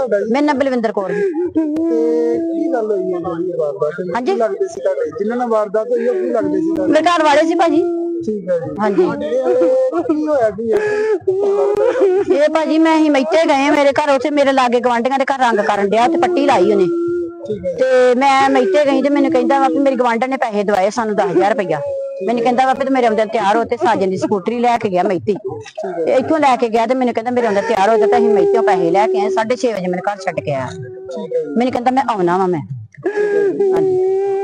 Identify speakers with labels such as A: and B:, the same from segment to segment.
A: ਤੁਹਾਡਾ ਜੀ?
B: ਮੇਰਾ ਨਾਮ ਬਲਵਿੰਦਰ ਕੌਰ ਜੀ।
A: ਤੇ ਕੀ ਗੱਲ ਹੋਈ ਹੈ ਜਿਹੜੀ ਵਾਰਦਾਤ?
B: ਹਾਂਜੀ।
A: ਕੀ ਲੱਗਦੇ ਸੀ ਤੁਹਾਡੇ ਜਿਨ੍ਹਾਂ ਨਾਲ ਵਾਰਦਾਤ ਹੋਈ ਉਹ ਕੀ ਲੱਗਦੇ ਸੀ ਤੁਹਾਡੇ?
B: ਮੇਰੇ ਘਰ ਵਾਲੇ ਸੀ ਭਾਜੀ।
A: ਠੀਕ ਹੈ ਜੀ।
B: ਹਾਂਜੀ।
A: ਕੀ ਹੋਇਆ ਕੀ
B: ਇਹ ਭਾਜੀ ਮੈਂ ਹੀ ਮੈਤੇ ਗਏ ਮੇਰੇ ਘਰ, ਉੱਥੇ ਮੇਰੇ ਲਾਗੇ ਗਵਾਂਢੀਆਂ ਦੇ ਘਰ ਰੰਗ ਕਰਨ ਡਿਆ ਤੇ ਪੱਟੀ ਲਾਈ ਉਹਨੇ। ਤੇ ਮੈਂ ਮੈਤੇ ਗਈ ਤੇ ਮੈਨੂੰ ਕਹਿੰਦਾ ਵਾ ਵੀ ਮੇਰੀ ਗਵਾਂਢਣ ਨੇ ਪੈਸੇ ਦਵਾਏ ਸਾਨੂੰ 10,000 ਰੁਪਇਆ। ਮੈਨੂੰ ਕਹਿੰਦਾ ਵਾ ਵੀ ਮੇਰੇ ਆਉਂਦੇ ਤਿਆਰ ਹੋ ਤੇ ਸਾਜਨ ਦੀ ਸਕੂਟਰੀ ਲੈ ਕੇ ਗਿਆ ਮੈਤੀ। ਤੇ ਇੱਥੋਂ ਲੈ ਕੇ ਗਿਆ ਤੇ ਮੈਨੂੰ ਕਹਿੰਦਾ ਮੇਰੇ ਆਉਂਦੇ ਤਿਆਰ ਹੋ ਜਾ, ਤੇ ਅਸੀਂ ਮੈਤਿਓਂ ਪੈਸੇ ਲੈ ਕੇ ਆਏ। 6:30 ਵਜੇ ਮੈਨੂੰ ਘਰ ਛੱਡ ਕੇ ਆਇਆ। ਮੈਨੂੰ ਕਹਿੰਦਾ ਮੈਂ ਆਉਣਾ ਵਾ ਮੈਂ। ਹਾਂਜੀ।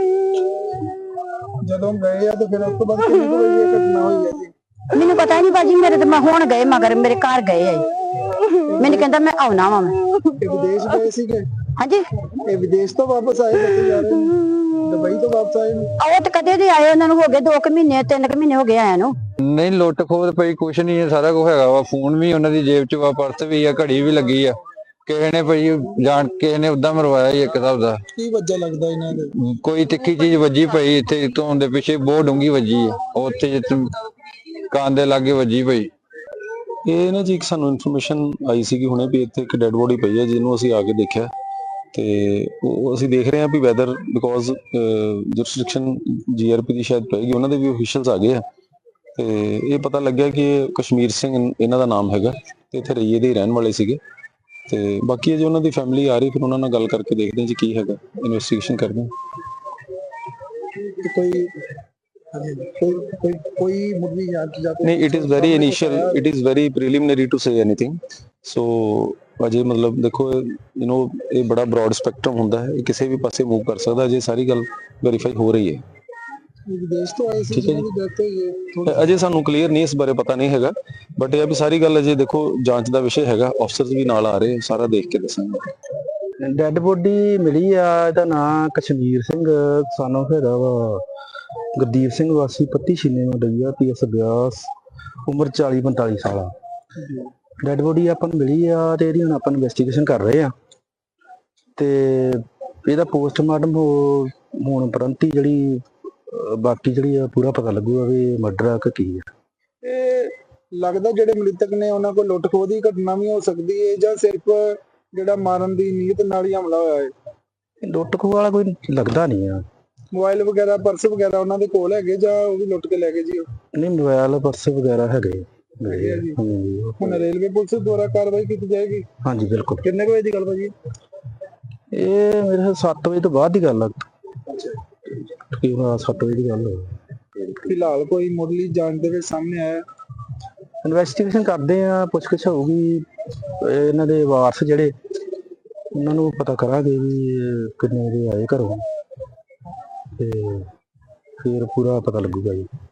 A: ਜਦੋਂ ਗਏ ਆ ਤੇ ਫਿਰ ਉਸ ਤੋਂ ਬਾਅਦ ਕਿੰਨੀ ਕੁ ਵਜੇ ਇਹ ਘਟਨਾ ਹੋਈ ਹੈ ਜੀ?
B: ਮੈਨੂੰ ਪਤਾ ਨਹੀਂ ਭਾਜੀ, ਮੇਰੇ ਤੇ ਮੈਂ ਹੁਣ ਗਏ ਮਗਰ ਮੇਰੇ ਘਰ ਗਏ ਆ। ਮੈਨੂੰ ਕਹਿੰਦਾ ਮੈਂ ਆਉਣਾ ਵਾ ਮੈਂ।
A: ਇਹ ਵਿਦੇਸ਼ ਗਏ ਸੀਗੇ?
B: ਹਾਂਜੀ।
A: ਇਹ ਵਿਦੇਸ਼ ਤੋਂ ਵਾਪਸ ਆਏ ਬੱਚੇ ਜਾ ਰਹੇ ਨੇ, ਦੁਬਈ ਤੋਂ ਵਾਪਸ ਆਏ ਨੇ?
B: ਉਹ ਤੇ ਕਦੇ ਦੇ ਆਏ, ਉਹਨਾਂ ਨੂੰ ਹੋ ਗਏ 2 ਮਹੀਨੇ 3 ਮਹੀਨੇ ਹੋ ਗਏ ਆਇਆ ਨੂੰ।
C: ਨਹੀਂ ਲੁੱਟ ਖੋਹ ਪਈ ਕੁਛ ਨਹੀਂ ਹੈ, ਸਾਰਾ ਕੁਝ ਹੈਗਾ ਵਾ। ਫੋਨ ਵੀ ਉਹਨਾਂ ਦੀ ਜੇਬ ਚ ਵਾ, ਪਰਸ ਵੀ ਆ, ਘੜੀ ਵੀ ਲੱਗੀ ਆ। ਕਿਸੇ ਨੇ ਭਾਈ ਜਾਣ ਕਿਸੇ ਨੇ ਉਦਾਂ ਮਰਵਾਇਆ ਹੀ ਇੱਕ ਹਿਸਾਬ ਦਾ।
A: ਕੀ ਵਜ੍ਹਾ ਲੱਗਦਾ ਇਹਨਾਂ ਦੇ?
C: ਕੋਈ ਤਿੱਖੀ ਚੀਜ਼ ਵੱਜੀ ਪਈ ਇੱਥੇ ਧੋਣ ਦੇ ਪਿੱਛੇ, ਬਹੁਤ ਡੂੰਗੀ ਵੱਜੀ ਆ ਉੱਥੇ ਜਿੱਥੇ ਕੰਨ ਦੇ ਲਾਗੇ ਵੱਜੀ ਪਈ।
D: ਇਹ ਨਾ ਜੀ ਇੱਕ ਸਾਨੂੰ ਇਨਫੋਰਮੇਸ਼ਨ ਆਈ ਸੀ ਕਿ ਹੁਣੇ ਵੀ ਇੱਥੇ ਇੱਕ ਡੈੱਡ ਬੋਡੀ ਪਈ ਹੈ, ਜਿਹਨੂੰ ਅਸੀਂ ਆ ਕੇ ਦੇਖਿਆ ਤੇ ਉਹ ਅਸੀਂ ਦੇਖ ਰਹੇ ਹਾਂ ਵੀ ਵੈਦਰ ਬਿਕੋਜ਼ ਜੁਰਿਸਡਿਕਸ਼ਨ ਜੀਆਰਪੀ ਦੀ ਸ਼ਾਇਦ ਪਏਗੀ, ਉਹਨਾਂ ਦੇ ਵੀ ਅਫੀਸ਼ੀਅਲਸ ਆ ਗਏ ਆ। ਤੇ ਇਹ ਪਤਾ ਲੱਗਿਆ ਕਿ ਕਸ਼ਮੀਰ ਸਿੰਘ ਇਹਨਾਂ ਦਾ ਨਾਮ ਹੈਗਾ ਤੇ ਇੱਥੇ ਰਈਏ ਦੇ ਹੀ ਰਹਿਣ ਵਾਲੇ ਸੀਗੇ। ਤੇ ਬਾਕੀ ਜੇ ਉਹਨਾਂ ਦੀ ਫੈਮਿਲੀ ਆ ਰਹੀ ਫਿਰ ਉਹਨਾਂ ਨਾਲ ਗੱਲ ਕਰਕੇ ਦੇਖਦੇ ਹਾਂ ਜੀ ਕੀ ਹੈਗਾ, ਇਨਵੈਸਟੀਗੇਸ਼ਨ ਕਰਦੇ ਹਾਂ।
A: ਕੋਈ ਮੁੱਢਲੀ ਜਾਂਚ ਜਾਂ
D: ਨਹੀਂ, it is very initial, it is very preliminary to say anything. So ਅਜੇ ਮਤਲਬ ਦੇਖੋ ਇਹ ਬੜਾ ਬ੍ਰੌਡ ਸਪੈਕਟਰਮ ਹੁੰਦਾ ਹੈ, ਇਹ ਕਿਸੇ ਵੀ ਪਾਸੇ ਮੂਵ ਕਰ ਸਕਦਾ। ਅਜੇ ਸਾਰੀ ਗੱਲ ਵੈਰੀਫਾਈ ਹੋ ਰਹੀ ਹੈ।
A: ਵਿਦੇਸ਼ ਤੋਂ ਆਏ ਸੀ ਜਿਹਨਾਂ ਦੀ ਡੈਥ ਹੋਈ ਹੈ?
D: ਅਜੇ ਸਾਨੂੰ ਕਲੀਅਰ ਨਹੀਂ, ਇਸ ਬਾਰੇ ਪਤਾ ਨਹੀਂ ਹੈਗਾ, ਬਟ ਇਹ ਆ ਵੀ ਸਾਰੀ ਗੱਲ ਅਜੇ ਦੇਖੋ ਜਾਂਚ ਦਾ ਵਿਸ਼ੇ ਹੈਗਾ। ਅਫਸਰਸ ਵੀ ਨਾਲ ਆ ਰਹੇ, ਸਾਰਾ ਦੇਖ ਕੇ ਦੱਸਾਂਗੇ।
E: ਡੈਡ ਬੋਡੀ ਮਿਲੀ ਆ, ਇਹਦਾ ਨਾਂ ਕਸ਼ਮੀਰ ਸਿੰਘ ਸਾਨੂੰ ਹੈਗਾ ਵਾ ਗੁਰਦੀਪ ਸਿੰਘ ਵਾਸੀ ਪੱਤੀ ਛੀਨੇ ਨੂੰ ਡਈਆ ਪੀਐਸ ਬਿਆਸ, ਉਮਰ 40-45 ਸਾਲ ਆ। ਡੈਡ ਬੋਡੀ ਆਪਾਂ ਨੂੰ ਮਿਲੀ ਆ ਤੇ ਇਹਦੀ ਹੁਣ ਆਪਾਂ ਇਨਵੈਸਟੀਗੇਸ਼ਨ ਕਰ ਰਹੇ ਆ ਤੇ ਇਹਦਾ ਪੋਸਟਮਾਰਟਮ ਹੋਣ ਉਪਰੰਤ ਹੀ ਜਿਹੜੀ ਬਾਕੀ ਜਿਹੜੀ ਆ ਪੂਰਾ ਪਤਾ ਲੱਗੂਗਾ ਵੀ ਮਰਡਰ ਆ ਕਿ ਕੀ ਆ।
A: ਇਹ ਲੱਗਦਾ ਜਿਹੜੇ ਮ੍ਰਿਤਕ ਨੇ ਉਹਨਾਂ ਕੋਲ ਲੁੱਟ ਖੋਹ ਦੀ ਘਟਨਾ ਵੀ ਹੋ ਸਕਦੀ ਹੈ ਜਾਂ ਸਿਰਫ ਜਿਹੜਾ ਮਾਰਨ ਦੀ ਨੀਅਤ ਨਾਲ ਹੀ ਹਮਲਾ ਹੋਇਆ ਹੈ?
E: ਲੁੱਟ ਖੋਹ ਵਾਲਾ ਕੋਈ ਲੱਗਦਾ ਨਹੀਂ ਆ।
A: ਮੋਬਾਈਲ ਵਗੈਰਾ ਪਰਸ ਵਗੈਰਾ ਉਹਨਾਂ ਦੇ ਕੋਲ ਹੈਗੇ ਜਾਂ ਉਹ ਵੀ ਲੁੱਟ ਕੇ ਲੈ ਗਏ ਜੀ?
E: ਨਹੀਂ, ਮੋਬਾਈਲ ਪਰਸ ਵਗੈਰਾ ਹੈਗੇ।
A: ਹੁਣ ਰੇਲਵੇ ਪੁਲਿਸ ਦੁਆਰਾ ਕਾਰਵਾਈ ਕੀਤੀ ਜਾਏਗੀ?
E: ਹਾਂਜੀ ਬਿਲਕੁਲ।
A: ਕਿੰਨੇ ਵਜੇ ਦੀ ਗੱਲ ਭਾਜੀ?
E: ਇਹ ਮੇਰੇ 7 ਵਜੇ ਤੋਂ ਬਾਅਦ ਦੀ ਗੱਲ ਆ। ਤਕਰੀਬਨ 7 ਵਜੇ ਦੀ ਗੱਲ ਹੋਈ।
A: ਫਿਲਹਾਲ ਕੋਈ ਮੁੱਢਲੀ ਜਾਂਚ ਦੇ ਵਿੱਚ ਸਾਹਮਣੇ ਆਇਆ?
E: ਇਨਵੈਸਟੀਗੇਸ਼ਨ ਕਰਦੇ ਆ, ਪੁੱਛਗਿੱਛ ਹੋਊਗੀ। ਇਹਨਾਂ ਦੇ ਵਾਰਸ ਜਿਹੜੇ ਉਹਨਾਂ ਨੂੰ ਪਤਾ ਕਰਾਂਗੇ ਵੀ ਕਿੰਨੇ ਵਜੇ ਆਏ ਘਰੋਂ ਤੇ ਫਿਰ ਪੂਰਾ ਪਤਾ ਲੱਗੂਗਾ ਜੀ।